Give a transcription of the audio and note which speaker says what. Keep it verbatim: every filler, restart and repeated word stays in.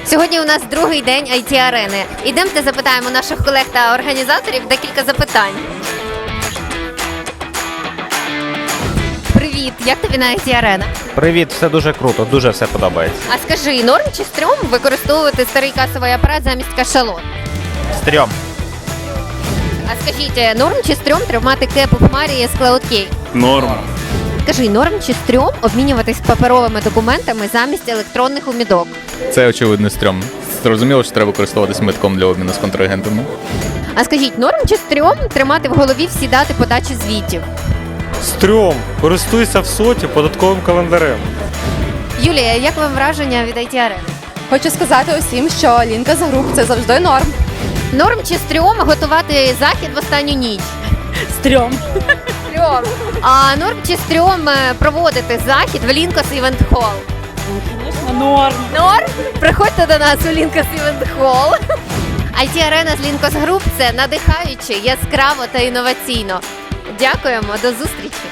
Speaker 1: Сьогодні у нас другий день ай ті-арени. Ідемте запитаємо наших колег та організаторів декілька запитань. Привіт, як тобі на ай ті-арена?
Speaker 2: Привіт, все дуже круто, дуже все подобається.
Speaker 1: А скажи, норм чи стрьом використовувати старий касовий апарат замість кашалот?
Speaker 2: Стрьом.
Speaker 1: А скажіть, норм чи стрьом тримати кеп у хмарі з CloudKey?
Speaker 3: Норм.
Speaker 1: Скажи, норм чи стрьом обмінюватись паперовими документами замість електронних умідок?
Speaker 3: Це очевидно стрьом. Зрозуміло, що треба користуватися метком для обміну з контрагентами.
Speaker 1: А скажіть, норм чи стрьом тримати в голові всі дати подачі звітів?
Speaker 4: Стрьом. Користуйся в соті податковим календарем.
Speaker 1: Юлія, як вам враження від ай ті-арени?
Speaker 5: Хочу сказати усім, що лінка з груп – це завжди норм.
Speaker 1: Норм чи стрьом готувати захід в останню ніч?
Speaker 5: Стрьом.
Speaker 1: Стрьом. А норм чи стрьом е, проводити захід в Лінкос Івент Холл?
Speaker 5: Норм.
Speaker 1: Норм? Приходьте до нас у Лінкос Івент Холл. ай ті-арена з Лінкос Груп – це надихаюче, яскраво та інноваційно. Дякуємо, до зустрічі!